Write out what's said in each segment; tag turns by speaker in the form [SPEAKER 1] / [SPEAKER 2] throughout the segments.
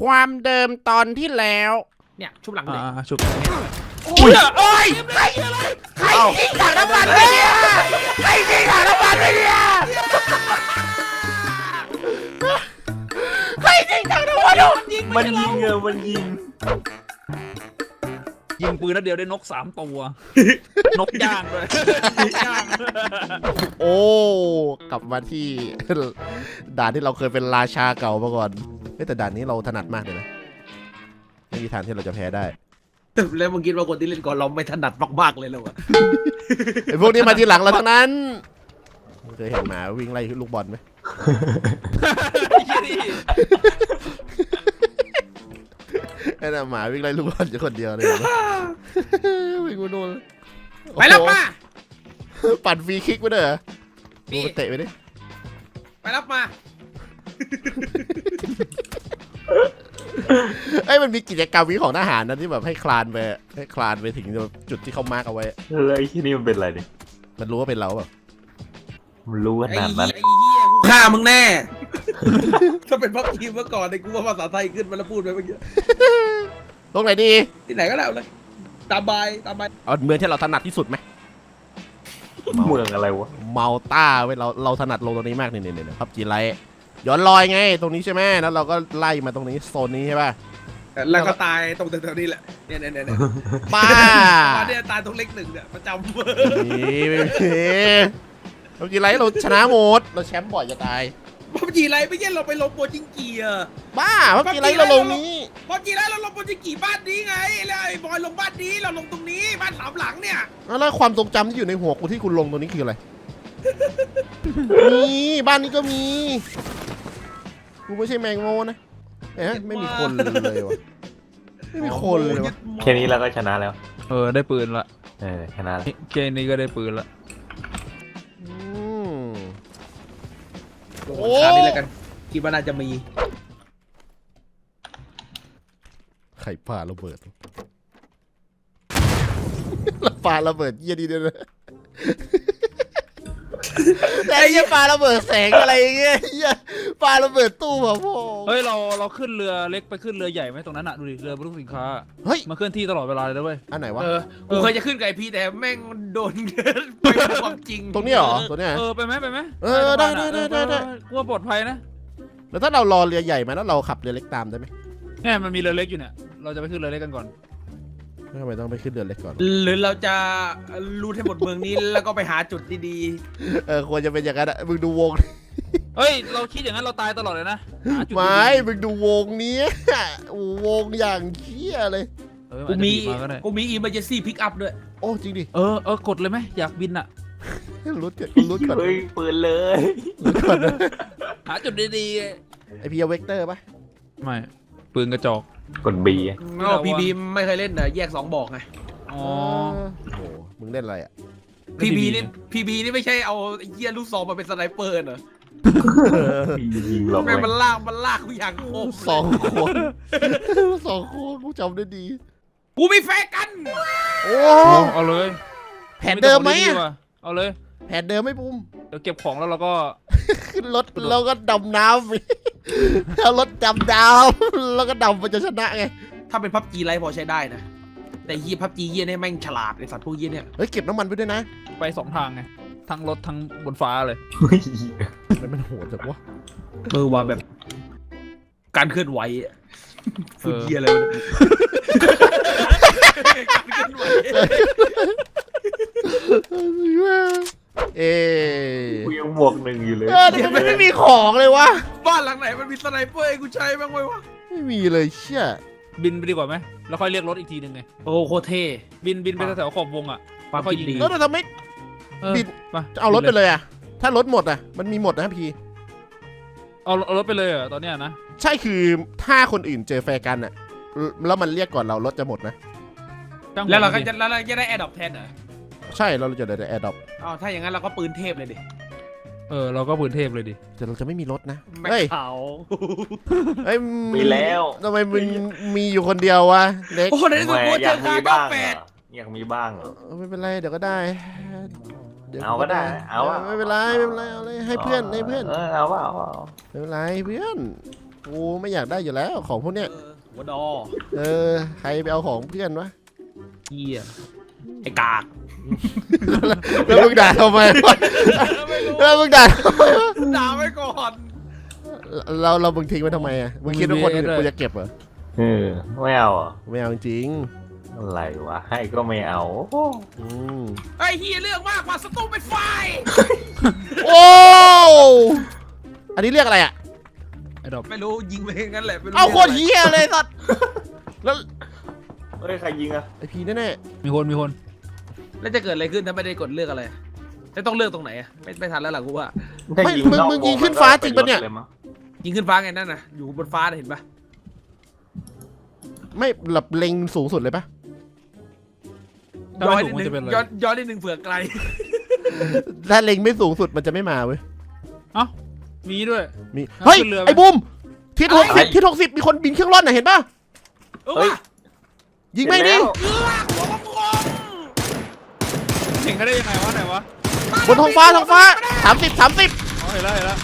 [SPEAKER 1] ความเดิมตอนที่แล้ว
[SPEAKER 2] เนี่ยชุบหลังเลย
[SPEAKER 3] ชุบ
[SPEAKER 1] โอ้ยเอ้ยใครยิงถังน้ำมันไปเนี่ยใครยิงถังน้ำมันไปเนี่ยใครยิงถังน้ำมัน
[SPEAKER 4] มันยิงมันยิง
[SPEAKER 3] ยิงปืนนัดเดียวได้นก3 ตัว นกย่างด้วยนกย่าง
[SPEAKER 1] โอ้กลับมาที่ ด่านที่เราเคยเป็นราชาเก่ามาก่อนแต่ด่านนี้เราถนัดมากเลยนะไม่มีทางที่เราจะแพ้ได้
[SPEAKER 2] แล้วมึงคิดว่าคนที่เล่นก่อนเราไม่ถนัดมากๆเลยเหรอวะ
[SPEAKER 1] ไอ้พวกนี้มาทีหลังเราทั้งนั้นเคยเห็นหมาวิ่งไล่ลูกบอลไหมไอ้น่ะหมาวิ่งไล่ลูกบอลอยู่คนเดียวเลยวิ่งกูโดน
[SPEAKER 2] ไปแล้วป้า
[SPEAKER 1] ปั่นฟรีคิกไปเด้อดูมันเตะไปดิ
[SPEAKER 2] ไปรับมา
[SPEAKER 1] ไอ้มันมีกิจกรรมวิของทหารนะที่แบบให้คลานไปถึงจุดที่เขามาร์กเอาไว้
[SPEAKER 4] เลยที่นี่มันเป็นอะไรเนี่ย
[SPEAKER 1] มันรู้ว่าเป็นเราแบบ
[SPEAKER 4] มันรู้ขนาดนั้น
[SPEAKER 2] ไอ้เหี้ยกูฆ่ามึงแน่ ถ้าเป็นพับทีมเมื่อก่อนเนี่ยกูว่าภาษาไทยขึ้นมาแล้วพูดไปเมื่อกี้
[SPEAKER 1] ตรงไหนดี
[SPEAKER 2] ที่ไหนก็แล้วเลยตามใบ
[SPEAKER 1] เอาเมืองที่เราถนัดที่สุดไหม
[SPEAKER 4] เมืองอะไรวะ
[SPEAKER 1] เมาต้าเว้ยเราถนัดลงตรงนี้มากเนี่ยครับจีไรย้อนลอยไงตรงนี้ใช่ไหมแล้วเราก็ไล่มาตรงนี้โซนนี้ใช่ป่ะ
[SPEAKER 2] แล้วก็ตายตรงแถวๆนี้แหละเนี่ย
[SPEAKER 1] ป้า
[SPEAKER 2] เนี่ยตายตรงเลข 1เนี่ยประจำ
[SPEAKER 1] นี่ไม่มีเราจีไรเราชนะหมดเราแชมป์บ่อยจะตาย
[SPEAKER 2] พับจีไรไม่ใช่เราไปลงโปรจิงกีอะ
[SPEAKER 1] บ้าพับจีไรเราลงนี้
[SPEAKER 2] พับจีไรเราลงโปรจิงกีบ้านนี้ไงแล้วไอ้บอยลงบ้านนี้เราลงตรงนี้บ้าน3 หลังเนี่ย
[SPEAKER 1] แล้วความทรงจำที่อยู่ในหัวกูที่คุณลงตรงนี้คืออะไร มีบ้านนี้ก็มีกูไม่ใช่แมงโมนะไม่มีคนเลยวะไม่มีคนเลยวะ
[SPEAKER 4] แค่นี้เราก็ชนะแล้ว
[SPEAKER 3] ได้ปืนละ
[SPEAKER 4] ชนะแล้ว
[SPEAKER 3] เกมนี้ก็ได้ปืนละ
[SPEAKER 2] ลงราคานี้แล้วกันคิดว่าน่าจะมี
[SPEAKER 1] ไข่ปลาระเบิดปลาระเบิดเยี่ยดีด้วยนะแต่ไอ้ปลาระเบิดแสงอะไรเงี้ยปลาระเบิดตู้แบบพ่อ
[SPEAKER 3] เฮ้ยเราขึ้นเรือเล็กไปขึ้นเรือใหญ่ไหมตรงนั้นอ่ะดูดิเรือบรรทุกสินค้า
[SPEAKER 1] เฮ้ย
[SPEAKER 3] มาเคลื่อนที่ตลอดเวลาเลยนะเว้ย
[SPEAKER 1] อันไหนวะ
[SPEAKER 2] กูเคยจะขึ้นกับไอพีแต่แม่งโดนไปความจริง
[SPEAKER 1] ตรงนี้เหรอตัวเนี้ย
[SPEAKER 3] ไปไหมได้
[SPEAKER 1] ได้
[SPEAKER 3] กลัวปลอดภัยนะ
[SPEAKER 1] แล้วถ้าเรารอเรือใหญ่มาแล้วเราขับเรือเล็กตามได้ไหม
[SPEAKER 3] เนี่ยมันมีเรือเล็กอยู่เนี่ยเราจะไปขึ้นเรือเล็กกันก่อน
[SPEAKER 1] ทำไมต้องไปขึ้นเรือเล็กก่อน
[SPEAKER 2] หรือเราจะรูทให้หมดเมืองนี้แล้วก็ไปหาจุดดี
[SPEAKER 1] ควรจะเป็นอย่างนั้นอะมึงดูวง
[SPEAKER 3] เฮ้ยเราคิดอย่างนั้นเราตายตลอดเลยนะหาจุดดีๆ
[SPEAKER 1] ไม่มึงดูวงนี้วงอย่างเขี้ยเลย
[SPEAKER 2] ๆ
[SPEAKER 3] กู
[SPEAKER 2] กูมี
[SPEAKER 3] ก็ได้
[SPEAKER 2] emergency pick up ด้วย
[SPEAKER 1] โอ้จริงดิ
[SPEAKER 3] กดเลยไหมอยากบินอ่ะ
[SPEAKER 1] รุดก่อนรุดก่อน
[SPEAKER 4] เฮ้ยปืนเลย
[SPEAKER 1] รุดก่อน
[SPEAKER 3] หาจุดดี
[SPEAKER 1] ไอพีเอาเวกเตอร์ปะ
[SPEAKER 3] ๆไม่ปืนกระจอก
[SPEAKER 4] กดบี
[SPEAKER 2] พีบีไม่เคยเล่นนะแยก2บอกไง
[SPEAKER 3] อ๋อ
[SPEAKER 1] โอ้โหมึงเล่นอะไรอะ
[SPEAKER 2] พีบีนี่ไม่ใช่เอาไอ้เหี้ยลูกซองมาเป็นสไนเปอร์เหรอ
[SPEAKER 4] ยิงเรา
[SPEAKER 2] แม่ง
[SPEAKER 4] ไป
[SPEAKER 2] มันลากกูอย่างโคตร
[SPEAKER 1] สองคนสองคนกูจำได้ดี
[SPEAKER 2] กูมีแฟนกัน
[SPEAKER 1] โอ้
[SPEAKER 3] เอาเลย
[SPEAKER 1] แผนเดิมไหม
[SPEAKER 3] ดี
[SPEAKER 1] อะ
[SPEAKER 3] ว่ะเอาเลย
[SPEAKER 1] แผนเดิมไหม่ปุ้ม
[SPEAKER 3] เดี๋ยวเก็บของแล้วเราก็
[SPEAKER 1] ขึ้นรถแล้วก็ดำน้ำเอารถดำน้ำแล้วก็ดำมันจะชนะไง
[SPEAKER 2] ถ้าเป็นพับจีไรพอใช้ได้นะแต่เหี้ยพับจีเหี้ยเนี่ยแม่งฉลาดไอสัตว์พวกเหี้ยเนี่ย
[SPEAKER 1] เฮ้ยเก็บน้ำมันไปด้วยนะ
[SPEAKER 3] ไป2 ทางไงทั้งรถทั้งบนฟ้าเลย
[SPEAKER 1] แล้วมันโหดจังวะ
[SPEAKER 2] มือว่าแบบ การเคลื่อนไหวอะพูดเหี้ยอะไรวะเนี่ยการเคลื่อนไหว
[SPEAKER 1] เอ๊ะ
[SPEAKER 4] กูยังบวก1อยู่เลย
[SPEAKER 1] แต่มันไม่มีของเลยวะ
[SPEAKER 2] บ้านหลังไหนมันมีสไนเปอร์ให้กูใช้บ้างไหมวะ
[SPEAKER 1] ไม่มีเลยเชี่ย
[SPEAKER 3] บินไปดีกว่าไหมแล้วค่อยเรียกรถอีกทีหนึ่งไง
[SPEAKER 2] โอ้โคตรเท่
[SPEAKER 3] บินไปแถวๆขอบวงอ่ะ
[SPEAKER 2] ความ
[SPEAKER 3] ค่อย
[SPEAKER 2] คิด
[SPEAKER 3] ยิง
[SPEAKER 2] ดี
[SPEAKER 1] แล้วทำไม บิน
[SPEAKER 3] มา
[SPEAKER 1] เอารถไปเลยอะถ้ารถหมดอะมันมีหมดนะพี่
[SPEAKER 3] เอารถไปเลยเหรอตอนเนี้ยนะ
[SPEAKER 1] ใช่คือถ้าคนอื่นเจอแฟร์กันอะแล้วมันเรียกก่อนเรารถจะหมดนะ
[SPEAKER 3] จ้งหั
[SPEAKER 2] แล้วเราก็
[SPEAKER 3] ดิ
[SPEAKER 2] จะได้แอดดอปแทนเหรอ
[SPEAKER 1] ใช่เราจะได้แอร์ดรอป
[SPEAKER 2] อ๋อถ้าอย่างนั้นเราก็ปืนเทพเลยดิ
[SPEAKER 3] เราก็ปืนเทพเลยดิ
[SPEAKER 1] แต่เราจะไม่มีรถนะ
[SPEAKER 2] แม็ก
[SPEAKER 1] เฮ้ย
[SPEAKER 2] เขา
[SPEAKER 1] เฮ้ย
[SPEAKER 4] มีแล้ว
[SPEAKER 1] ทำไมมึงมีอยู่คนเดียววะเด็ก
[SPEAKER 2] โอ้โหในที่สุดกู
[SPEAKER 4] อ
[SPEAKER 2] เจ
[SPEAKER 4] ยา
[SPEAKER 2] อก ค่า
[SPEAKER 4] มี
[SPEAKER 2] เก้า
[SPEAKER 4] บ้าง
[SPEAKER 2] แปด
[SPEAKER 4] อยากมีบ้าง
[SPEAKER 1] ไม่เป็นไรเดี๋ยวก็ได้ดี๋ยว
[SPEAKER 4] เอาก็ได้เอาอะ
[SPEAKER 1] ไม่เป็นไรเอาเลยให้เพื่อน
[SPEAKER 4] เอาว่า
[SPEAKER 1] ไม่เป็นไรเพื่อนกูไม่อยากได้อยู่แล้วของพวกเนี้ย
[SPEAKER 2] หัวดอ
[SPEAKER 1] ใครไปเอาของเพื่อนวะ
[SPEAKER 2] เฮียไอ้กาก
[SPEAKER 1] แล้วมึงด่าทำไมวะ
[SPEAKER 2] ไม่รู้
[SPEAKER 1] แล้วมึงด่าทำไมวะ
[SPEAKER 2] ด่าไว้ก่อน
[SPEAKER 1] เรามึงทิ้งไว้ทำไมอ่ะมึงคิดว่าคนอื่นกูจะเก็บเหรอ
[SPEAKER 4] ไม่เอาเหรอ
[SPEAKER 1] ไม่เอาจริง
[SPEAKER 4] อะไรวะให้ก็ไม่เอา
[SPEAKER 1] อืม
[SPEAKER 2] ไอ้เฮียเรื่องมากกว่าสตูเป็นไฟ
[SPEAKER 1] โอ้อันนี้เรียกอะไรอ่ะ
[SPEAKER 3] ไอ้ดอก
[SPEAKER 2] ไม่รู้ยิงไปงั้นแหละไม่รู้
[SPEAKER 1] เอาโคตรเฮียเลยสัตว์แล้ว
[SPEAKER 4] เฮ้ยใครยิงอะ
[SPEAKER 1] ไอพีแน่
[SPEAKER 3] มีคน
[SPEAKER 2] แล้วจะเกิดอะไรขึ้นถ้าไม่ได้กดเลือกอะไรจะต้องเลือกตรงไหนอะไม่ทันแล้วล่ะกูว่า
[SPEAKER 4] ถ้า
[SPEAKER 1] ๆไม่
[SPEAKER 4] ยิง
[SPEAKER 1] มึง
[SPEAKER 4] นอก
[SPEAKER 1] มึง
[SPEAKER 4] ว
[SPEAKER 1] ยิงขึ้นฟ้าจริงปะเนี่ย
[SPEAKER 4] ลมั้ง
[SPEAKER 2] ยิงขึ้นฟ้าไงนั่นน่ะอยู่บนฟ้าน่ะเห็นปะ
[SPEAKER 1] ไม่หลับเล็งสูงสุดเลยปะ
[SPEAKER 3] ถ้า
[SPEAKER 2] ย้อ
[SPEAKER 3] ไม่
[SPEAKER 2] น
[SPEAKER 3] สู
[SPEAKER 2] นิ
[SPEAKER 3] ง
[SPEAKER 2] ด
[SPEAKER 3] มัน
[SPEAKER 2] นึง
[SPEAKER 3] จะเป็นอะไร
[SPEAKER 2] ย้อนนิดนึงเผื่อไกล
[SPEAKER 1] ถ้าเล็งไม่สูงสุดมันจะไม่มาเว้ย
[SPEAKER 3] เอ้ามีด้วย
[SPEAKER 1] มี
[SPEAKER 3] เอา
[SPEAKER 1] เฮ้ย
[SPEAKER 3] ขึ้นเรือไหม
[SPEAKER 1] ไอ้บูมทิศ60ทิศ60มีคนบินเครื่องร่อนน่ะเห็นปะ
[SPEAKER 4] เฮ้ย
[SPEAKER 1] ยิงไม่ดิ
[SPEAKER 4] เห็นแล้ว
[SPEAKER 2] หัวกลม
[SPEAKER 3] เห็นเขาได้ยังไงวะไหนวะ
[SPEAKER 1] บนท้องฟ้า30
[SPEAKER 3] อ๋อเห็นแล้ว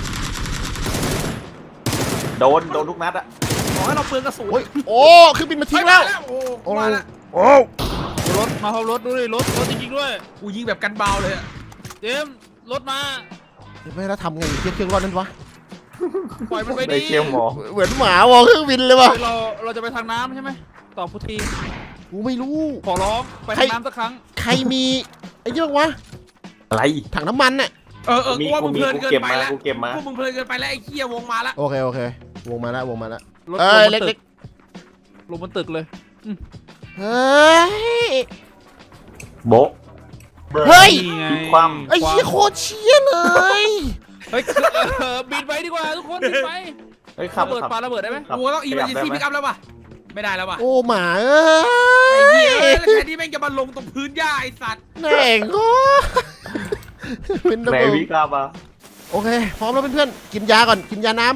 [SPEAKER 4] โดนทุกนัดอะ
[SPEAKER 2] ๆขอให้เราเปลืองกระสุน
[SPEAKER 1] โอ้ยโอ้เครื่องบินมาทิ้งแล้ว
[SPEAKER 2] โอ้มาแล้ว
[SPEAKER 1] โอ้
[SPEAKER 3] รถมาพร้อมรถดูดิรถจริงๆด้วย
[SPEAKER 2] กูยิงแบบกันเบาเลยอะ
[SPEAKER 3] เจมส์รถมา
[SPEAKER 1] ไม่แล้วทำไงเครื่องร่อนนั่นวะ
[SPEAKER 3] ปล่อยมันไป
[SPEAKER 4] ได้
[SPEAKER 3] ดิ
[SPEAKER 4] เชี่ยวหมอ
[SPEAKER 1] เหมือนหมาวอเครื่องบินเลยวะ
[SPEAKER 3] เราจะไปทางน้ำใช่ไหมตอบพุทธี
[SPEAKER 1] กูไม่รู้
[SPEAKER 3] ขอร้องไปทางน้ำสักครั้ง
[SPEAKER 1] ใครมีไอ้เรื่องวะ
[SPEAKER 4] อะไร
[SPEAKER 1] ถังน้ำมันน่ะ
[SPEAKER 2] กูว่ามึงเพลินเกิน
[SPEAKER 4] เก็บ
[SPEAKER 2] ไป
[SPEAKER 4] มา
[SPEAKER 2] แล้ว
[SPEAKER 4] กูเก็บมา
[SPEAKER 2] พวกมึงเพลินเกินไปแล้วไอ้เคียวงมาแล้ว
[SPEAKER 1] โอเควงมาแล้ว
[SPEAKER 3] รถ
[SPEAKER 1] เอ้ย
[SPEAKER 3] ลงบนตึ
[SPEAKER 1] เล็
[SPEAKER 3] ก
[SPEAKER 1] ก
[SPEAKER 3] ลงบนตึกเลย
[SPEAKER 1] ๆเฮ้ย
[SPEAKER 4] โบะ
[SPEAKER 1] เฮ้ย
[SPEAKER 3] นี่ไง
[SPEAKER 4] ความ
[SPEAKER 1] ไอ้เหี้ยโคตรเชี่ยเลย
[SPEAKER 3] เฮ้ยบินไปดีกว่าทุกคนบินไป
[SPEAKER 4] เฮ้ยขับ
[SPEAKER 3] ระเบิด
[SPEAKER 4] ขับ
[SPEAKER 3] ปาระเบิดได้ไหม
[SPEAKER 4] ครับ
[SPEAKER 2] กูต้องอีเวนต์ซีพิกอัพแล้วป่ะไม่ได้แล้วป่ะ
[SPEAKER 1] โอ้หมาเอ้
[SPEAKER 2] ไอ้เหี้ย
[SPEAKER 1] ย
[SPEAKER 2] แล้วแทนที่แม่งจะมาลงตรงพื้นหญ้าไอ้สัตว์
[SPEAKER 1] แม่งโอ้เป็นระ
[SPEAKER 4] ไหน
[SPEAKER 1] เบิด
[SPEAKER 4] วิกาบะ
[SPEAKER 1] โอเคพร้อมแล้วเพื่อนๆกินยาก่อนกินยาน้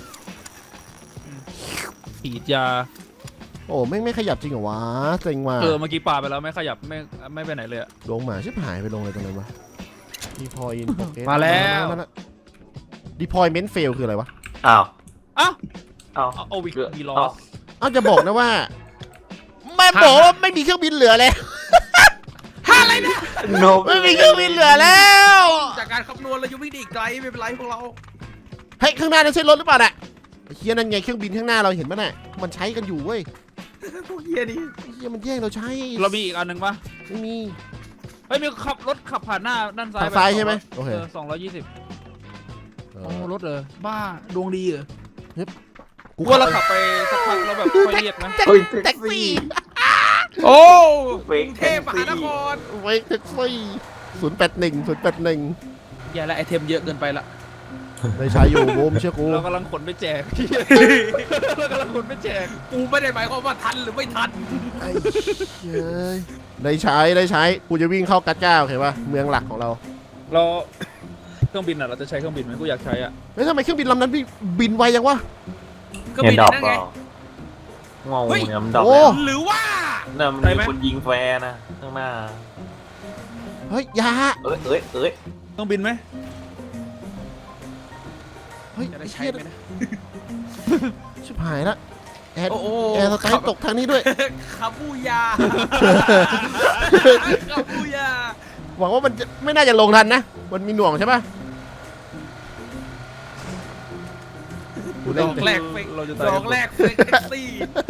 [SPEAKER 3] ฉีดยา
[SPEAKER 1] ำโอ้ไม่ขยับจริงเหรอวะเซ็งว่ะ
[SPEAKER 3] เมื่อกี้ปาไปแล้วไม่ขยับไม่ไปไหนเลยอะ
[SPEAKER 1] ลงหมาชิบหายไปลงเลยตรงไหนวะดีพอยอินโปเก
[SPEAKER 3] มาแล้ว
[SPEAKER 1] ดีพอยเมนเฟลคืออะไรวะ
[SPEAKER 4] อ้าว
[SPEAKER 3] อ้าว
[SPEAKER 4] อ้าว
[SPEAKER 3] เอาวิกวีลอส
[SPEAKER 1] อ้าวจะบอกนะว่าแม่บอกว่าไม่มีเครื่องบินเหลือแล้ว
[SPEAKER 2] อะไรนะ
[SPEAKER 4] โน
[SPEAKER 1] ไม่มีเครื่องบินเหลือแล้ว
[SPEAKER 2] จากการคำนวณเรายังไม่ได้อีกไกลไม่เป็นไรพวกเรา
[SPEAKER 1] เฮ้ยข้างหน้านั่นใช่รถหรือเปล่าน่ะไอ้เฮียนั่นไงเครื่องบินข้างหน้าเราเห็นปะน่ะมันใช้กันอยู่เว้ย
[SPEAKER 2] พวกเหี้ยนี่
[SPEAKER 1] ไอ้เฮียมันแย่งเราใช้
[SPEAKER 3] เรามีอีกอันหนึ่งปะ
[SPEAKER 1] ไม่มี
[SPEAKER 3] เฮ้ยมีรถขับผ่านหน้าด้านซ้าย
[SPEAKER 1] ทางซ้ายใช่ไหมโอเค
[SPEAKER 3] 220โอ้รถบ้าดวงดีเหรอ
[SPEAKER 1] กู
[SPEAKER 3] ว่าเราขับไปสักพักแล้วแบบค่อยเรียกไหม
[SPEAKER 4] เฮ้ย
[SPEAKER 1] แท็กซี่
[SPEAKER 2] โอ้
[SPEAKER 4] เฟ
[SPEAKER 2] ก
[SPEAKER 4] ก
[SPEAKER 2] รุงเทพมหานคร
[SPEAKER 1] ไว้แท็กซี่081
[SPEAKER 2] อย่าละไอเทมเยอะเกินไปละ
[SPEAKER 1] ได้ใช้อยู่โบมเชื่อกู
[SPEAKER 3] เรากำลังขนไปแจกเรากำลังขนไปแจก
[SPEAKER 2] กูไม่ได้หมายความว่าทันหรือไม่ทัน
[SPEAKER 1] ไอ้เฮ้ยได้ใช้กูจะวิ่งเข้ากัดก้าโอเคป่ะเมืองหลักของเรา
[SPEAKER 3] เราเครื่องบินอ่ะเราจะใช้เครื่องบินไหมกูอยากใช้อ่ะ
[SPEAKER 1] เฮ้ยทำไมเครื่องบินลำนั้นบินไวยังวะ
[SPEAKER 2] ก็
[SPEAKER 4] เห็น
[SPEAKER 2] มี
[SPEAKER 4] ดอก
[SPEAKER 2] นั่น
[SPEAKER 4] เป
[SPEAKER 2] ไง
[SPEAKER 4] ล่างงเนี่ยมันดอก
[SPEAKER 1] โอ้
[SPEAKER 4] แล้ว
[SPEAKER 2] หรือว่า
[SPEAKER 4] น่ะมันมีคนยิงแฟร์นะข้างหน้า
[SPEAKER 1] เฮ้ยยา
[SPEAKER 4] เอ้ย
[SPEAKER 3] เครื่องบินไหม
[SPEAKER 1] เฮ้ย
[SPEAKER 2] จะได้
[SPEAKER 1] ไอ้
[SPEAKER 2] ใช้
[SPEAKER 1] เหี้ย
[SPEAKER 2] ไหมนะ
[SPEAKER 1] ชิบหายละแอร์
[SPEAKER 2] โอ้โห
[SPEAKER 1] แอร์สไตล์ตกทางนี้ด้วย
[SPEAKER 2] คาบูยาคาบูยา
[SPEAKER 1] หวังว่ามันจะไม่น่าจะลงทันนะมันมีหน่วงใช่ป่ะกู
[SPEAKER 2] ด
[SPEAKER 1] เล่น
[SPEAKER 2] อกแรกเฟก
[SPEAKER 3] เราจะ
[SPEAKER 2] ดอกแรกเฟกแท็กซี่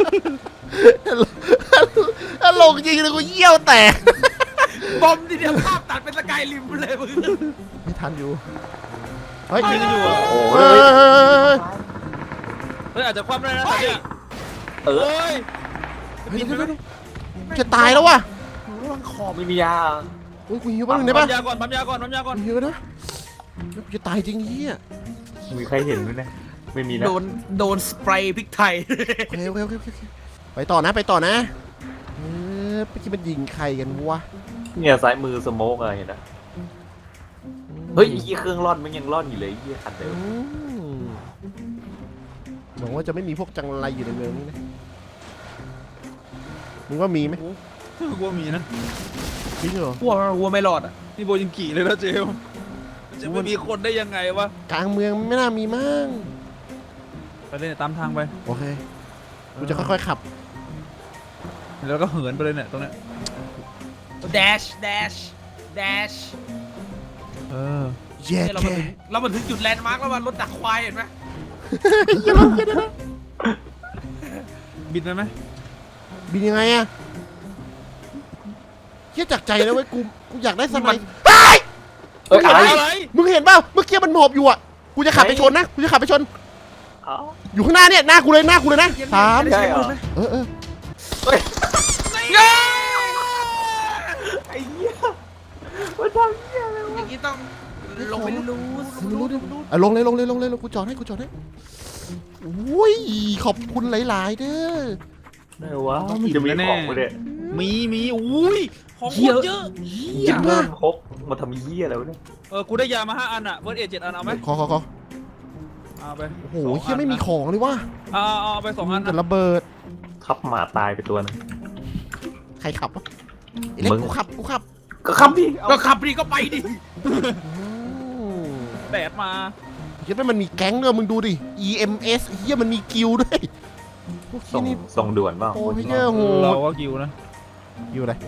[SPEAKER 1] ถ้าลงจริงเลยกูเยี่ยวแตก
[SPEAKER 2] บอมทีเดียวภาพตัดเป็นสกายริมเลยมึง
[SPEAKER 1] ไม่ทันอยู่เฮ้ย
[SPEAKER 3] ยิงกันอยู่อ่ะ
[SPEAKER 4] โอ้
[SPEAKER 1] เฮ้
[SPEAKER 4] ย
[SPEAKER 3] เฮ้ยอาจจะคว่ำได้นะเนี่ย
[SPEAKER 4] เออ
[SPEAKER 3] เฮ้ย
[SPEAKER 1] เดี๋ยวจะตายแล้ววะ
[SPEAKER 4] ไม่มียา
[SPEAKER 1] โอ้ยกูหิวแป๊บนึงได้
[SPEAKER 3] ปั๊
[SPEAKER 1] ปะ
[SPEAKER 3] มยาก่อนปั๊มยาก่อนปั๊มยาก่อน
[SPEAKER 1] กูหิวนะกูจะตายจริงเฮีย
[SPEAKER 4] มีใครเห็นไหมเนี่ยไม่มีนะ
[SPEAKER 2] โดนสเปรย์พริกไทย
[SPEAKER 1] โอเคไปต่อนะเมื่อกี้มันยิงใครกันวะ
[SPEAKER 4] เนี่ยซ้ายมือสโมกอะไรเห็นนะเฮ้ยยี่เครื่องร่อนมันยังร่อนอยู่เลยยี่คันเดิม
[SPEAKER 1] หวังว่าจะไม่มีพวกจังไรอยู่ในเมืองนี้นะมึงว่ามีไหม
[SPEAKER 3] กูว่ามีนะ
[SPEAKER 1] จริงเหรอ
[SPEAKER 2] วัวไม่รอดอ่ะ
[SPEAKER 3] นี่โบยิงกี่เลยนะเจลจะไม่มีคนได้ยังไงวะ
[SPEAKER 1] กลางเมืองไม่น่ามีมั้ง
[SPEAKER 3] ไปเลยเนี่ยตามทางไป
[SPEAKER 1] โอเคกูจะค่อยๆขับ
[SPEAKER 3] แล้วก็เหินไปเลยเนี่ยตรงเนี้ย
[SPEAKER 2] dash dash
[SPEAKER 3] เออ
[SPEAKER 1] เย้
[SPEAKER 2] เนี่ยเรา
[SPEAKER 1] แค่
[SPEAKER 2] มาถึงจุดแลนด์มาร์กแล้วมันรถดักควายเห็นไหม
[SPEAKER 3] บินไปไหม
[SPEAKER 1] บินยังไงอะเฮียจากใจแล้วเว้ยกูอยากได้สไนป์
[SPEAKER 4] เอ้ยอะไร
[SPEAKER 3] อะไร
[SPEAKER 1] มึงเห็นเปล่าเมื่อกี้มันหมอบอยู่อ่ะกูจะขับไปชนนะกูจะขับไปชน
[SPEAKER 4] เอ้า
[SPEAKER 1] อยู่ข้างหน้าเนี่ยหน้ากูเลยหน้ากูเลยนะสาม
[SPEAKER 4] ใช่เหรอ
[SPEAKER 1] เออ
[SPEAKER 4] เฮ้ย
[SPEAKER 2] เย้
[SPEAKER 4] ไอ้เหี้ยมันทำเหี้ยอะไรวะ
[SPEAKER 2] อย่างนี้ต้องลงไปรูด
[SPEAKER 1] ไม่รู้ดิอ่ะลงเลยกูจอดให้อุ้ยขอบคุณหลายๆเด้อ
[SPEAKER 4] ไหนวะมันจะมีของปะเนี่ย
[SPEAKER 3] มีอุ้ยของโคตรเยอะ
[SPEAKER 1] เฮีย
[SPEAKER 4] จะเริ่มพกมาทำเหี้ยอะไรวะเนี่ย
[SPEAKER 3] กูได้ยามา5 อันอะเฟิร์สเอ7 อันเอาไหม
[SPEAKER 1] ขอ
[SPEAKER 3] เอาไป
[SPEAKER 1] โอ้โหเฮียไม่มีของเลยว่ะ
[SPEAKER 3] เอาไป2 อัน
[SPEAKER 1] แต่
[SPEAKER 3] นะ
[SPEAKER 1] ระเบิด
[SPEAKER 4] ทับหมาตายไปตัวนึง
[SPEAKER 1] ใครขับวะไอ้เล็ก
[SPEAKER 4] มึง
[SPEAKER 1] กูขับ
[SPEAKER 4] ก็ขับดิ
[SPEAKER 2] ก็ขับดิก็ไปดิ
[SPEAKER 3] แดดมา
[SPEAKER 1] เฮียมันมีแก๊งด้วยมึงดูดิ EMS เฮียมันมีกิลด์ด้วยพวก
[SPEAKER 4] ส่
[SPEAKER 1] เฮีย
[SPEAKER 4] ง
[SPEAKER 1] นี่
[SPEAKER 4] ส่งด่วนเปล่า
[SPEAKER 1] โอ้ยเฮียโห
[SPEAKER 3] เรา
[SPEAKER 1] ด
[SPEAKER 3] ก็กิวนะ
[SPEAKER 1] กิลด์อะไร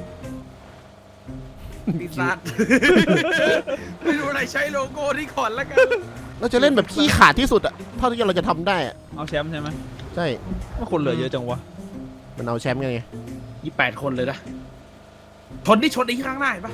[SPEAKER 2] ปีศาจไม่รู้อะไรใช้โลโก้ที่ก่อนแล้วกัน
[SPEAKER 1] เราจะเล่นแบบขี้ขาดที่สุดอะเท่าที่เราจะทำได้อะ
[SPEAKER 3] เอาแชมป์ใช่ไหม
[SPEAKER 1] ใช่
[SPEAKER 3] ว่าคนเหลือเยอะจังวะ
[SPEAKER 1] มันเอาแชมป์ไง
[SPEAKER 2] 28 คนเลยนะชนที่ข้างหน้าเห็นปะ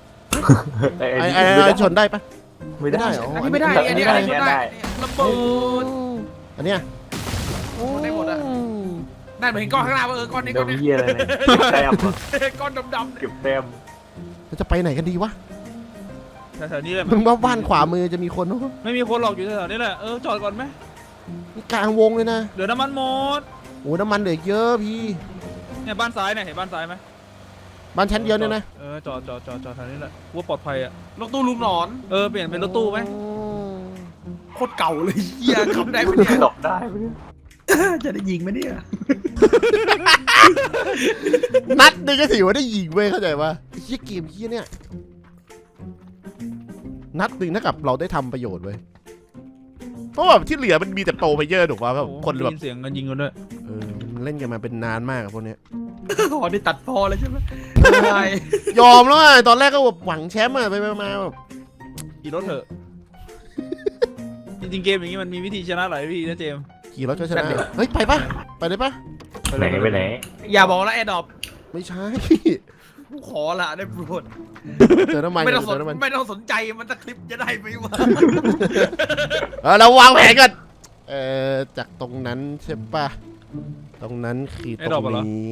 [SPEAKER 1] ไอ้ชนได้ปะ
[SPEAKER 4] ไม่ได้
[SPEAKER 1] เหรอ
[SPEAKER 2] อันนี้ไม่ได้อันนี้ชนได้ระเบิด
[SPEAKER 1] อันเนี้ย
[SPEAKER 2] ได้หมดอะ นั่นเหมือนก้อนข้างหน้าว่าก้อนนี้
[SPEAKER 4] เดี๋
[SPEAKER 2] ก้
[SPEAKER 4] ย
[SPEAKER 2] อ
[SPEAKER 4] วน มี
[SPEAKER 2] นี้
[SPEAKER 4] เหี้ยอะไรเนี่ยเก็บแต้มเหรอ
[SPEAKER 2] ก้อนดำๆ
[SPEAKER 4] เก็บแต้ม
[SPEAKER 1] เราจะไปไหนกันดีวะ
[SPEAKER 3] แถวๆนี้เลย
[SPEAKER 1] มึงว่าบ้านขวามือจะมีคนปะ
[SPEAKER 3] ไม่มีคนหรอกอยู่แถวๆนี้แหละจอดก่อนไหม
[SPEAKER 1] นี่กลางวงเลยนะ
[SPEAKER 3] เดี๋ยวน้ำมันหมด
[SPEAKER 1] โอ้น้ำมันเหลือเยอะพี่
[SPEAKER 3] เนี่ยบ้านซ้ายเนี่ยเห็นบ้านซ้ายไหม
[SPEAKER 1] บ้านชั้นเดียวเนี่ยนะ
[SPEAKER 3] จอดแถวนี้แหละว่าปลอดภัยอ่ะ
[SPEAKER 2] รถตู้ลุงหนอน
[SPEAKER 3] เปลี่ยนเป็นรถตู้ไหม
[SPEAKER 2] โคตรเก่าเลยเฮียขับได้ไหมเนี่ย
[SPEAKER 4] ดอกได้ปะเนี่ย
[SPEAKER 2] จะได้ยิงไหมเนี่ย
[SPEAKER 1] นัดหนึงก็ถือว่าได้ยิงเว้ยเข้าใจปะไอ้เหี้ยเกมเหี้ยเนี่ยนัดหนึ่งเท่ากับเราได้ทำประโยชน์เว้ยเพราะว่าที่เหลือมันมีแต่โปรเพลเยอร์ถูกป่ะแบบ
[SPEAKER 3] โอ้
[SPEAKER 1] คน
[SPEAKER 3] ได้
[SPEAKER 1] แบบ
[SPEAKER 3] ยินเสียงกันยิงกันด้วย
[SPEAKER 1] มันเล่นกันมาเป็นนานมากอะพวกเนี้ย
[SPEAKER 2] อ๋อนี่ตัดพอเลยใช่ไหมใช่
[SPEAKER 1] ยอมแล้วอะตอนแรกก็แบบหวังแชมป์อะไปมาแบบ
[SPEAKER 3] ขี่รถเถอะ จริงๆเกมอย่างนี้มันมีวิธีชนะหลายวิธีนะเจมส์
[SPEAKER 1] ขี่รถก็ชนะเฮ้ยไปปะไปเลยปะ
[SPEAKER 4] ไหนไปไหน
[SPEAKER 2] อย่าบอกแล้วแอร์ดรอป
[SPEAKER 1] ไม่ใช่
[SPEAKER 2] กูขอละได้โปรด
[SPEAKER 1] เติมน้ำมัน
[SPEAKER 2] ไม่ต้องส
[SPEAKER 1] เติ
[SPEAKER 2] น
[SPEAKER 1] มน้ำมัน
[SPEAKER 2] ไม่ต้องสนใจมันจะคลิปจะได้ไหมวะ
[SPEAKER 1] เราวางแผนก่อนจากตรงนั้นใช่ปะตรงนั้นคือตรงนี้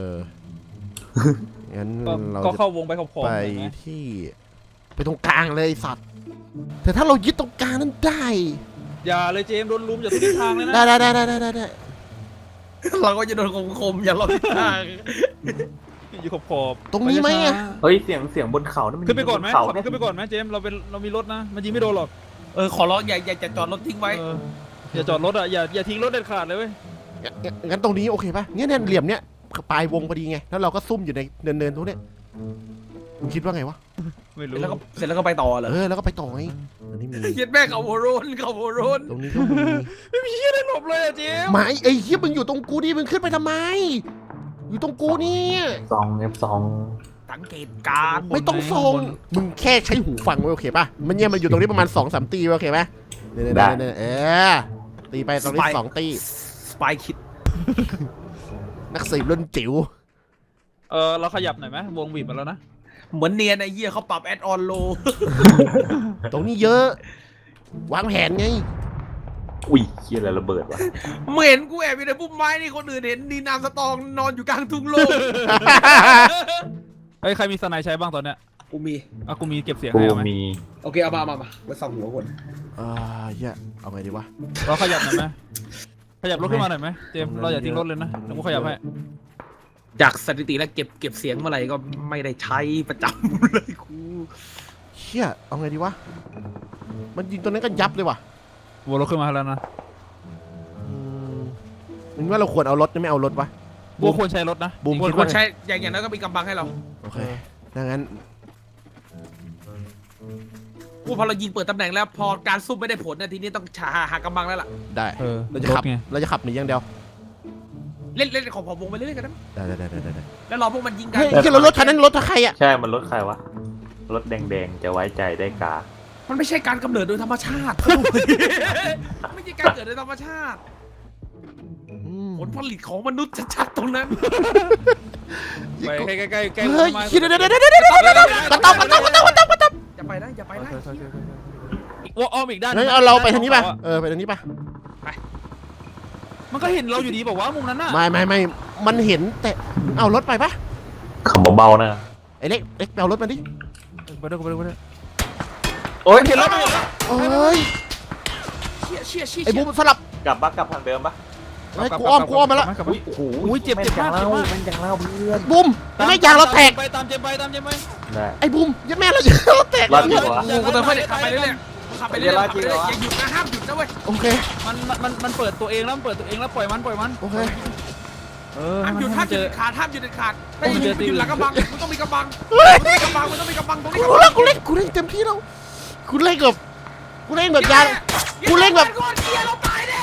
[SPEAKER 1] งั้นเรา
[SPEAKER 3] ก็
[SPEAKER 1] จะ
[SPEAKER 3] เข้าวงไปขอบๆ
[SPEAKER 1] ไป
[SPEAKER 3] หน่อยไหม
[SPEAKER 1] ที่ไปตรงกลางเลยไอ้สัตว์แต่ถ้าเรายึดตรงกลางนั้นได้
[SPEAKER 3] อย่าเลยเจมส์โดนลุมอย่าทุกทิศทางเลยนะ
[SPEAKER 1] ได้
[SPEAKER 2] เราก็จะโดนคมๆอย่าเราทิศทาง
[SPEAKER 3] อยู่ขอบๆ
[SPEAKER 1] ตรงนี้ไหมอะ
[SPEAKER 4] เฮ้ยเสียงบนเขานั่นมัน
[SPEAKER 3] ขึ้นไปก่อนไหม
[SPEAKER 4] เขา
[SPEAKER 3] ขับ
[SPEAKER 4] เนี่ย
[SPEAKER 3] ขึ้นไปก่อนไหมเจมส์เรามีรถนะมันยิงไม่โดนหรอก
[SPEAKER 2] ขอร้องอย่าจอดรถทิ้งไว้
[SPEAKER 3] อย่าจอดรถอ่ะอย่าทิ้งรถเด็ดขาดเลยเว้ย
[SPEAKER 1] งั้นตรงนี้โอเคปะเนี่ยเหลี่ยมเนี้ยปลายวงพอดีไงแล้วเราก็ซุ่มอยู่ในเนินๆตรงเนี้ยมึงคิดว่าไงวะ
[SPEAKER 3] ไม่รู้
[SPEAKER 2] เสร็จแล้วก็ไปต่อเหรอ
[SPEAKER 1] แล้วก็ไปต่อไงอันนี้มี
[SPEAKER 2] เย็ดแม่เขาโวโรน
[SPEAKER 1] ตรงนี้ก็มี
[SPEAKER 3] ไม่มีเหี้ยอะไรหลบเลยอะเจมส์
[SPEAKER 1] ไม้ไอ้เหี้ยมึงอยู่ตรงกูดิมึงขึ้นไปทำไม อยู่ตรงกูเนี่ย
[SPEAKER 4] ซองF2
[SPEAKER 2] สังเกตการณ์
[SPEAKER 1] ไม่ต้องส่งมึงแค่ใช้หูฟังไว้โอเคป่ะมันเนี่ยมันอยู่ตรงนี้ประมาณ 2-3 ตีไว้โอเคไหมเนี่ยตีไปตรงนี้2 ตี
[SPEAKER 2] สปายคิด
[SPEAKER 1] นักสืบรุ่นจิ๋ว
[SPEAKER 3] เราขยับหน่อยไหมวงบีบมาแล้วนะ
[SPEAKER 2] เหมือนเนียนไอ้เหี้ยเขาปรับแอดออนโล
[SPEAKER 1] ตรงนี้เยอะ วางแผนไง
[SPEAKER 4] อุ้ยเหี้ยอะไรระเบิดวะ
[SPEAKER 2] เมื่อเห็นกูแอบอยู่ในพุ่มไม้นี่คนอื่นเห็นดีนามสตองนอนอยู่กลางทุ่งโล่ง
[SPEAKER 3] เฮ้ยใครมีสไนด์ใช้บ้างตอนเนี้ย
[SPEAKER 2] กูมี
[SPEAKER 3] กูมีเก็บเสียง
[SPEAKER 4] กู
[SPEAKER 3] ให้เอาไหม
[SPEAKER 4] มี
[SPEAKER 2] โอเคเอามาไปส่องหัวคน
[SPEAKER 1] เหี้ยเอาไงดีวะ
[SPEAKER 3] เราขยับหน่อยไหมขยับรถขึ้นมาหน่อยไหมเจมส์เราอย่าทิ้งรถเลยนะเดี๋ยวกูขยับให้
[SPEAKER 2] จากสถิติแล้วเก็บเสียงเมื่อไหร่ก็ไม่ได้ใช้ประจำเลยกู
[SPEAKER 1] เชี่ยเอาไงดีวะมันยิงตัวนั้นก็ยับเลยว่ะ
[SPEAKER 3] วนรถขึ้นมาแล้วนะ
[SPEAKER 1] มึงว่าเราควรเอารถหรือไม่เอารถวะ
[SPEAKER 3] บัวควรใช้รถนะ
[SPEAKER 1] บูม
[SPEAKER 3] จ
[SPEAKER 2] ค
[SPEAKER 3] ริ
[SPEAKER 2] น
[SPEAKER 3] งๆ
[SPEAKER 2] คนใช้อย่างนั้นก็มีกำบังให้เรา
[SPEAKER 1] โอเคดังนั้น
[SPEAKER 2] กูพอเรายิงเปิดตำแหน่งแล้วพอการซุ่มไม่ได้ผลนะทีนี้ต้องหากำบังแล้วล่ะ
[SPEAKER 1] ได้
[SPEAKER 3] เออ
[SPEAKER 1] เราจะขับ
[SPEAKER 3] รถไง
[SPEAKER 1] เราจะขับหนีอย่างเดียว
[SPEAKER 2] เล่นของผมวงไปเรื่อยๆกันนะ
[SPEAKER 1] ได้
[SPEAKER 2] แล้วรอพวกมันยิงกัน
[SPEAKER 1] เฮ้ยที่รถคันนั้นรถใครอ่ะ
[SPEAKER 4] ใช่มันรถใครวะรถแดงๆจะไว้ใจได้กา
[SPEAKER 2] มันไม่ใช่การกำเนิดโดยธรรมชาติ ไม่ใช่การเกิดโดยธรรมชาติ ผลผลิตของมนุษย์ชัดๆตรงนั้น
[SPEAKER 3] ไปใกล้ๆใกล้
[SPEAKER 1] เฮ้ย
[SPEAKER 3] มา
[SPEAKER 1] เดี๋ยวกระต๊อบ
[SPEAKER 2] อย่าไปนะอย่าไปนะ
[SPEAKER 3] ว่าอ้อมอีกด้าน
[SPEAKER 1] งั้นเอาเราไปทางนี้ป่ะไปทางนี้ป่ะ
[SPEAKER 3] มันก็เห็นเราอยู่ดีบอกว่ามุมนั้นน่ะ
[SPEAKER 1] ไม่มันเห็นแต่เอารถไปป่ะ
[SPEAKER 4] ขับเบาๆนะ
[SPEAKER 1] ไอ้เล็กไปเอารถมาดิ
[SPEAKER 3] ไปด้วย
[SPEAKER 4] โอ๊ย
[SPEAKER 3] เห็นแล้วเห็นแล้ว
[SPEAKER 1] โอ้ย
[SPEAKER 2] เชี่ย
[SPEAKER 1] ไอ้บูมสลับ
[SPEAKER 4] กลับทางเดิมปะ
[SPEAKER 1] ไอ้กูอ้อมมาแล้ว
[SPEAKER 4] โอ้โห
[SPEAKER 3] อุ้ยเจ็บ
[SPEAKER 4] แม่น
[SPEAKER 3] มาก
[SPEAKER 4] จังเล่าแม่นจังเล่าเพื่อน
[SPEAKER 1] บูมไม่ยางเราแตก
[SPEAKER 3] ไปตามเจมไป
[SPEAKER 4] ได้
[SPEAKER 1] ไอ้บูมยัดแม่เรายางเราแตก
[SPEAKER 4] รอดดีวะ
[SPEAKER 2] กูเติมให้ขับไปเรื่อยๆขับไปเรื่อยๆอย่าหยุดนะห้ามหยุดนะเว้ย
[SPEAKER 1] โอเค
[SPEAKER 3] มันเปิดตัวเองแล้วปล่อยมัน
[SPEAKER 1] โอเค
[SPEAKER 2] ห้ามหยุด
[SPEAKER 3] ให้
[SPEAKER 2] ห้าม
[SPEAKER 3] น
[SPEAKER 2] หยุด
[SPEAKER 3] เจอ
[SPEAKER 2] เด็ดขาดห้ามหยุดเด็ดขาดไม่หยุดหลังกำบังมันต้องมีกำบัง
[SPEAKER 1] เฮ้ย
[SPEAKER 2] มันต้องมีกำบังตรงนี้
[SPEAKER 1] กูเล่นเต็มที่แล้วกูเล่นแบบยาง กูเล่นแบบ
[SPEAKER 2] เกียร์เราตายแน่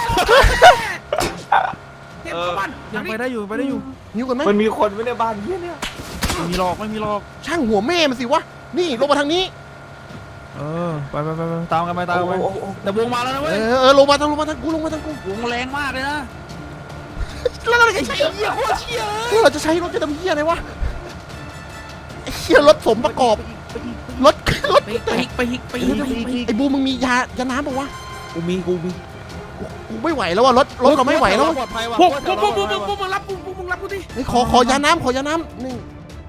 [SPEAKER 2] เต็มกำบัง
[SPEAKER 3] ยังไปได้อยู่
[SPEAKER 1] นิ้วกันไหม
[SPEAKER 4] มันมีคนไม่ในบ้านเฮียเนี่ย
[SPEAKER 3] ไม่มีหลอก
[SPEAKER 1] ช่างหัวแม่มันสิวะนี่ลงมาทางนี้
[SPEAKER 3] ไปตามกันไปแต่วงมาแล้วนะเว้ย
[SPEAKER 1] ลงมาทางกู
[SPEAKER 3] วงแรงมากเลยนะ
[SPEAKER 1] แล้วเราจะใช้
[SPEAKER 3] เหี้ยโคตรเชี่ย
[SPEAKER 1] เราจะใช้รถจะทำเหี้ยอะไรวะไอ้เหี้ยรถสมประกอบรถ
[SPEAKER 2] ไปฮิก
[SPEAKER 1] ไอ้บูมึงมียาน้ำป่าวะ
[SPEAKER 2] กูมี
[SPEAKER 1] กูไม่ไหวแล้วว่ะรถเราไม่ไหวแล้ว
[SPEAKER 3] ปลอดภัยว่ะ
[SPEAKER 2] พวกมึงรับกูดิ
[SPEAKER 1] ขอยาน้ำนี่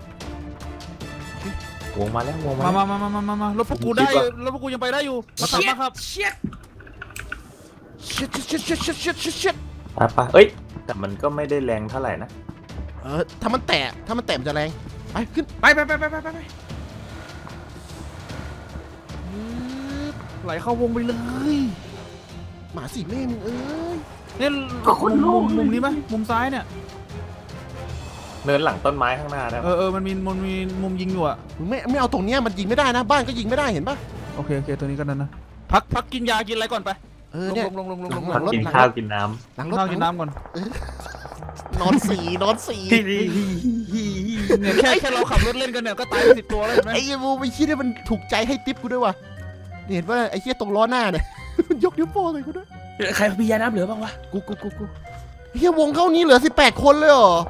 [SPEAKER 4] วงมาแล้ววงมา
[SPEAKER 3] มา รถพวกกูได้รถพวกกูยังไปได้อยู่มาขับมาครับ
[SPEAKER 2] เชี่ย
[SPEAKER 1] ชิด
[SPEAKER 4] ไปเอ้ยแต่มันก็ไม่ได้แรงเท่าไหร่นะ
[SPEAKER 1] ถ้ามันแตะมันจะแรงไปขึ้น
[SPEAKER 2] ไป
[SPEAKER 3] ไหลเข้าวงไปเลย
[SPEAKER 1] หมาสิแม่มึงเอ้ย
[SPEAKER 3] เนี่ยมุมนี้ไหมมุมซ้ายเนี่ย
[SPEAKER 4] เนินหลังต้นไม้ข้างหน้าได้ปะ
[SPEAKER 3] มันมีมุมยิงอยู่อ่ะ
[SPEAKER 1] มึงไม่เอาตรงเนี้ยมันยิงไม่ได้นะบ้านก็ยิงไม่ได้เห็นปะ
[SPEAKER 3] โอเคตัวนี้ก็นั่นนะพักกินยากินอะไรก่อนไป
[SPEAKER 1] เนี่ย
[SPEAKER 3] ลง
[SPEAKER 4] พักกินข้าวกินน้
[SPEAKER 1] หลังรถ
[SPEAKER 3] ข้าวกินน้ำก่อน
[SPEAKER 1] นอนสี
[SPEAKER 3] เนี่ยแค่เราขับรถเล่นกันเนี่ยก็ตายไป10 ตัวแล้วเห็นไหม
[SPEAKER 1] ไอ้เหี้ยบูไม่คิดว่ามันถูกใจให้ทิปกูด้วยว่ะนี่เห็นว่าไอ้เหี้ยตรงล้อหน้าเนี่ย มันยกนิ้วโป้งเลยกูด้วย
[SPEAKER 2] ใครมียาน้ำเหลือบ้างวะ
[SPEAKER 1] กูเฮียวงเข้านี้เหลือ18 คนเลยเหรอ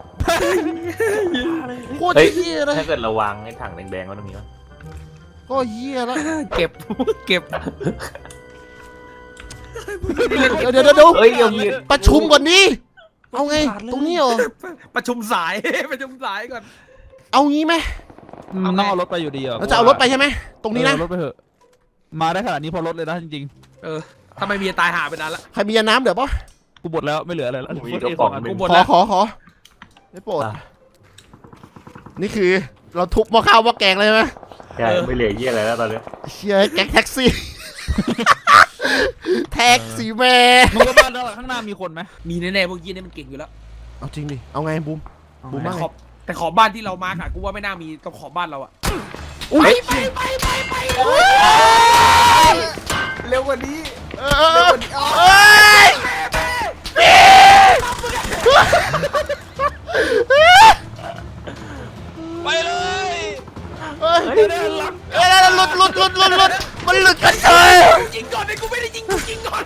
[SPEAKER 1] โคตรเฮียเล
[SPEAKER 4] ำ
[SPEAKER 1] ย
[SPEAKER 4] ถ้าเกิดระวังไอ้ถังแดงๆก็ต้องมีวะ
[SPEAKER 1] ก็เฮียแล้ว
[SPEAKER 2] เก็บ
[SPEAKER 1] เดี๋ยว
[SPEAKER 4] เอ้ยยังมี
[SPEAKER 1] ประชุมก่อนดิเอาไงตรงนี้เหรอ
[SPEAKER 2] ประชุมสายก่อน
[SPEAKER 1] เอางี้ไหม
[SPEAKER 3] ต้องเอารถไปอยู่ดีอ่ะ
[SPEAKER 1] เราจะเอารถไปใช่ไหมตรงนี้นะ
[SPEAKER 3] รถไปเถอะมาได้ขนาดนี้พอรถเลยนะจริง
[SPEAKER 2] ถ้าไม่มีตายหาไปนานละ
[SPEAKER 1] ใครมียาน้ำเดี๋ยวป่ะ
[SPEAKER 3] ๆกูหมดแล้วไม่เหลืออะไรแล้ว
[SPEAKER 4] มีกระป๋องหนึ่ง
[SPEAKER 1] ขอไม่โปรดนี่คือเราทุบหม้อข้าวหม้อแกงเลยไหม
[SPEAKER 4] ใช่ไม่เหลือเยี่ยอะไรแล้วตอนนี้
[SPEAKER 1] เชียแก๊งแท็กซี่ แท็กซี่แม่
[SPEAKER 3] มึงว่าบ้านข้างหน้ามีคนไหม
[SPEAKER 2] มีแน่ๆพวกยี่นี่มันเก่งอยู่แล้ว
[SPEAKER 1] เอาจริงดิเอาไงบูม บูม
[SPEAKER 2] แต่
[SPEAKER 1] ว่าไง
[SPEAKER 2] แต่ขอบบ้านที่เรามาค่ะกูว่าไม่น่ามีต้องขอบบ้านเราอะ
[SPEAKER 1] ไป
[SPEAKER 4] เร็วกว่านี้
[SPEAKER 1] เอ้ย
[SPEAKER 3] ไปเลย
[SPEAKER 1] เฮ้ยหลุดมันหลุดกันเฉย
[SPEAKER 2] ยิงก่อนเลยกูไม่ได้ยิงกูยิงก่อน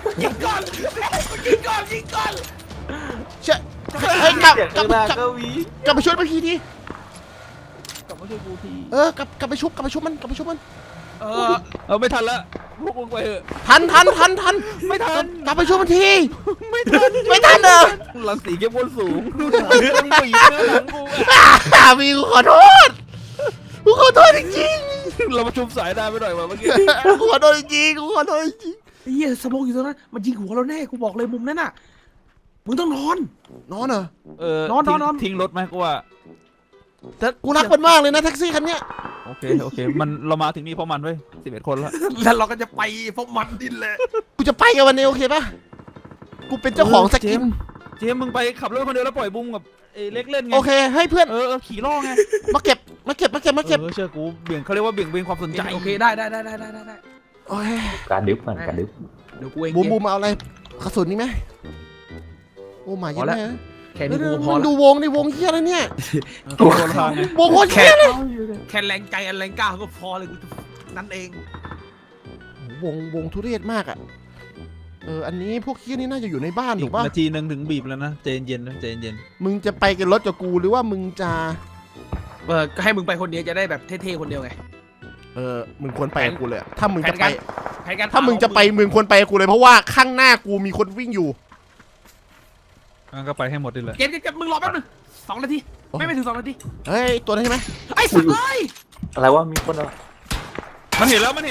[SPEAKER 1] เชื่อเฮ้ยกลับ
[SPEAKER 4] เสียงข้างหน้าก็วี
[SPEAKER 1] ไปช่วยมันทีดิ
[SPEAKER 3] กลับมาช่วยกูที
[SPEAKER 1] กลับไปชุบมัน
[SPEAKER 3] ไม่ทันละพวกมึงไปเถอะ
[SPEAKER 1] ทัน
[SPEAKER 3] ไม่ทัน
[SPEAKER 1] กลับไปช่วยมันที
[SPEAKER 3] ไม่ทัน
[SPEAKER 1] เด้อ
[SPEAKER 3] รังสีเข้มข้นสูงมึงบีบเนื้อหลังกูอ่ะ
[SPEAKER 1] มีกูขอโทษจริง
[SPEAKER 3] เรามาชุบสายได้ไปหน่อยว่ะเมื่อกี้
[SPEAKER 1] ๆกูขอโทษจริง
[SPEAKER 2] เฮียสโมกอยู่ตรงนั้นมันยิงหัวเราแน่กูบอกเลยมุมนั้นน่ะมึงต้องนอน
[SPEAKER 1] นอนเหรอน
[SPEAKER 2] อน
[SPEAKER 3] ทิ้งรถไหมกูว่า
[SPEAKER 1] แต่กูรักมันมากเลยนะแท็กซี่คันเนี้ย
[SPEAKER 3] โอเคมันเรามาถึงนี่เพราะมันเว้ย11 คนละ
[SPEAKER 2] แล้วเราก็จะไปพวกมันดินแหละ
[SPEAKER 1] กูจะไปกับวันนี้โอเคปะกูเป็นเจ้าของสกิน
[SPEAKER 3] เจมส์มึงไปขับรถคนเดียวแล้วปล่อยบุ้มกับไอ้เล็กเล่นไง
[SPEAKER 1] โอเคให้เพื่อน
[SPEAKER 3] ขี่ล่อไง
[SPEAKER 1] มาเก็บ
[SPEAKER 3] เชื่อกูเบี่ยงเขาเรียกว่าเบี่ยงเบนความสนใจ
[SPEAKER 2] โอเคได้
[SPEAKER 1] โอ้ย
[SPEAKER 4] การดึ๊บมันการดึ๊บ
[SPEAKER 2] เดี๋ยวกูเอง
[SPEAKER 1] บูมเอาอะไรกระสุนนี่ไหมโอ้มาเยอะแม่
[SPEAKER 2] แค่นี้กูพอ
[SPEAKER 1] มึง
[SPEAKER 2] ละ
[SPEAKER 1] ดูวงดิวงเฮียอะไรเนี่ย
[SPEAKER 3] ตัวคนละทางไง
[SPEAKER 1] วงโคตรเฮียเลย
[SPEAKER 2] แค่แรงใจแรงกล้าก็พอเลยกูนั่นเอง
[SPEAKER 1] วงทุเรศมากอ่ะอันนี้พวกเฮียนี่น่าจะอยู่ในบ้าน
[SPEAKER 3] อี
[SPEAKER 1] ถู
[SPEAKER 3] ก
[SPEAKER 1] กป่ะ
[SPEAKER 3] นาทีนึงถึงบีบแล้วนะใจเย็นๆนะใจเย็น
[SPEAKER 1] มึงจะไปกันรถกับกูหรือว่ามึงจะ
[SPEAKER 2] ก็ให้มึงไปคนเดียวจะได้แบบเท่ๆคนเดียวไง
[SPEAKER 1] มึงควรไปกับกูเลยอะถ้ามึงจะไป
[SPEAKER 2] แผนการ
[SPEAKER 1] ถ้ามึงจะไปมึงควรไปกับกูเลยเพราะว่าข้างหน้ากูมีคนวิ่งอยู่
[SPEAKER 3] งั้นก็ไปให้หมดดิเลย
[SPEAKER 2] เกมมึงรอแป๊บนึง2 นาทีไม่ถึง2 นาที
[SPEAKER 1] เฮ้ยตัวนั้นใช่ไหม
[SPEAKER 2] ไอ้สัตว์เลย
[SPEAKER 4] อะไรวะมีคนอะไร
[SPEAKER 3] มันเห็นแล้ว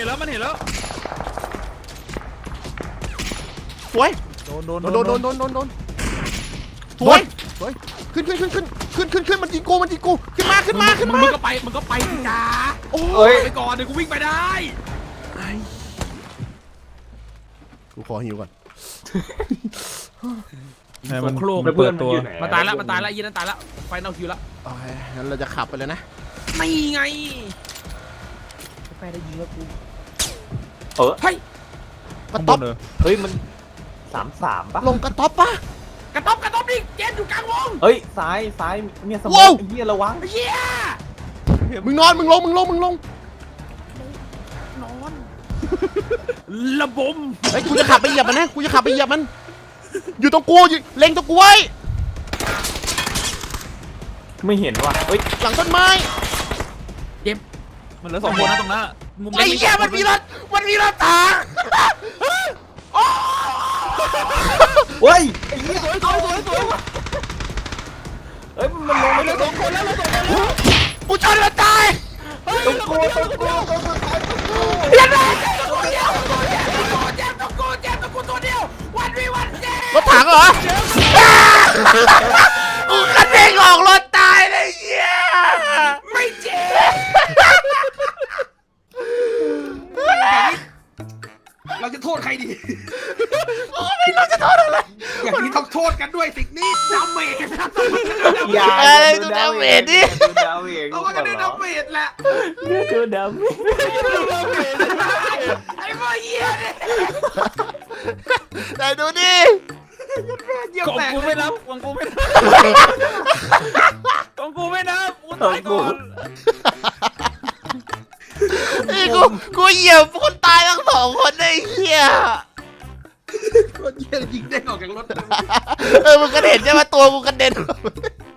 [SPEAKER 1] สวย
[SPEAKER 3] โดน
[SPEAKER 1] โดนสวยขึ้นมันยิงกูขึ้นมา
[SPEAKER 2] มึงก็ไปสิจ้า
[SPEAKER 1] โอ้
[SPEAKER 4] เอ้ย
[SPEAKER 2] ไปก่อนเดี๋ยวกูวิ่งไปได้
[SPEAKER 1] กูขอหิวก่อน
[SPEAKER 3] ให้มัน
[SPEAKER 2] โครก
[SPEAKER 3] เปิดตัว
[SPEAKER 2] มาตายละยีนั้นตายละไฟนอลคิวละ
[SPEAKER 1] โอเคงั้นเราจะขับไปเลยนะ
[SPEAKER 2] ไม่ไงแฟได้ยิงแล้วกู
[SPEAKER 1] กระ
[SPEAKER 3] ข้างบ
[SPEAKER 1] ต๊อบ
[SPEAKER 3] นเลย
[SPEAKER 4] เฮ้ยมัน33ป่ะ
[SPEAKER 1] ลงกระต๊อบปะ
[SPEAKER 2] กระต๊อบดิเกมอยู่กลางวง
[SPEAKER 4] เฮ้ยซ้ายเนี่ยสมอ
[SPEAKER 1] ว้าว
[SPEAKER 4] งไอ้เหี้ยระวัง
[SPEAKER 2] เฮีย
[SPEAKER 1] มึงนอนมึงลง
[SPEAKER 2] นอนระบม
[SPEAKER 1] เฮ้ยกูจะขับไปเหยียบมันนะอยู่ตรงกูเล็งตรงกูไว้
[SPEAKER 4] ไม่เห็นว่ะเฮ้ย
[SPEAKER 1] หลังต้นไม้
[SPEAKER 3] มันเหลือ2 คนนะตรงนั้นมุม
[SPEAKER 1] ไอ้
[SPEAKER 3] เล็ก
[SPEAKER 1] เหี้ยมันมีรถถัง
[SPEAKER 4] เฮ้ยไอ้เหี้ยสวยเฮ้ยมันลงไปแล้ว
[SPEAKER 3] 2 คนแล้วเรา2 คนแล้ว
[SPEAKER 1] กูชนมันตาย
[SPEAKER 4] ตรงกู
[SPEAKER 1] เรียนเลย
[SPEAKER 2] เจ็บตัวกูตัวเดียววันเจ็บ
[SPEAKER 1] รถถังเหรอกูกระเด้งออกรถตายเลยเหี้ย
[SPEAKER 2] ไม่เจ็บเราจะโทษใครดี
[SPEAKER 1] ไม่รู้จะโทษอะไร
[SPEAKER 2] อย่างนี้ต้องโทษกันด้วยสิ่งนี้ดาเมจนะ
[SPEAKER 4] อย่า
[SPEAKER 1] ดูดาเมจดิ
[SPEAKER 4] ดูดาเมจ
[SPEAKER 2] เราก็ได้ดาเมจแหละ
[SPEAKER 4] ดูดาเมจ
[SPEAKER 2] ไอ้พ่อเหี้ยเนี่ย
[SPEAKER 1] ไหนดูดิ
[SPEAKER 2] เยี่ยม
[SPEAKER 3] ของ
[SPEAKER 2] แตก
[SPEAKER 3] กูไม่นับกูตายก่อน
[SPEAKER 1] นี่กูเหยียบคนตายทั้ง2 คนไอ้เหี้ย
[SPEAKER 2] คนเยี่ยยิงได้ออกจากรถ
[SPEAKER 1] มึงกระเด็นใช่ไหมตัวกูกระเด็น